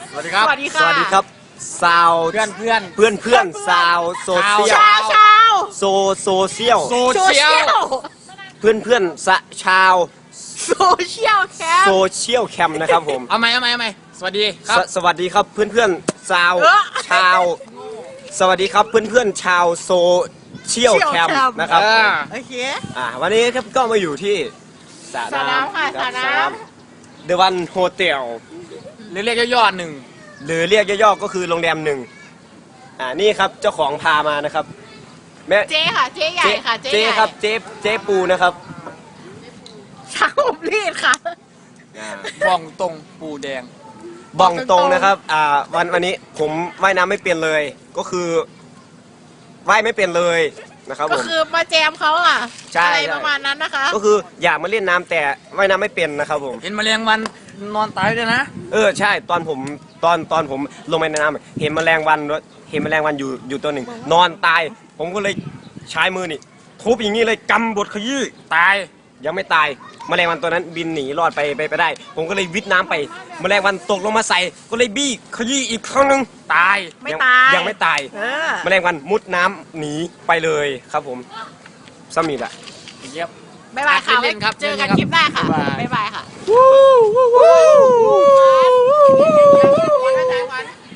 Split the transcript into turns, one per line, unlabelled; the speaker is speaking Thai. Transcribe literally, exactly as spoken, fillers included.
สวัสดีครับ
สวัสดีค่ะ
สวัสดีครับซาว
เพื่อนเพื่อน
เพื่อนเพื่อนซาวโซเชียล
ชาวชาว
โซโซเชียล
โซ
โซ
เชี
เชี
ย
ย
ล
ล
เพื่อนเพื่อนสะชาว
โซเชียลแคม
โซเชียลแคมนะครับผม
เอาไหมเอาไหมเอาไหมสวัสดีครั
ส
บ
สวัสดีครับเพื่อนเพื่อนซาว
เออ
ชาว สวัสดีครับเพื่อนเพื่อนชาวโซเชียลแคมนะครับ
เออ
โอเค
อ่าวันนี้ครับก็มาอยู่ที่สระ
สระน้ำค่ะ
รับ
สระน้ำ
เดวันโฮเทล
หรือเรียกย่อๆหนึ่ง
หรือเรียกย่อๆก็คือโรงแรมหนึ่งอ่านี่ครับเจ้าของพามานะครับแม่
เจ๊ค่ะ เจ๊ใหญ่ค่ะ เจ๊
เจ๊
ใหญ่
ครับเจ๊เจ๊ปูนะครับ
ช่างผมรีดค่ะ
บ้องตรงปูแดง
บ้องตรง
ตรงๆ
นะครับอ่าวันวันนี้ผมว่ายน้ำไม่เป็นเลย ก็คือว่ายไม่เป็นเลยนะครับ
ก็
ผม
คือมาแจมเขาอ่ะ
ใช่
อะไร
ใช่
ประมาณนั้นนะคะ
ก็คืออยากมาเล่นน้ำแต่ว่ายน้ำไม่เป็นนะครับผม
เห็นแมลงวันนอนตายด้วยนะ
เออใช่ตอนผมตอนตอนผมลงไปในน้ำเห็นแมลงวันด้วยเห็นแมลงวันอยู่อยู่ตัวหนึ่งนอนตาย ผมก็เลยใช้มือนี่ทุบอย่างนี้เลยกำบดขยี้
ตาย
ยังไม่ตายแมลงวันตัวนั้นบินหนีรอดไปไปไปได้ ผมก็เลยวิทน้ำไปแมลงวันตกลงมาใส่ก็เลยบี้ขยี้อีกครั้งหนึง
ตาย
ไม่
ง
ตาย
ยังไม่ตาย
เออ
แมลงวันมุดน้ำหนีไปเลยครับผมสมิธอะ
เยี่ยม
บ๊ายบายค่ะ
เล่นๆครับ
เจอกัน
เล่นๆครับ
คลิปหน้าค่ะ
บ๊ายบาย
บ๊ายบายค่ะ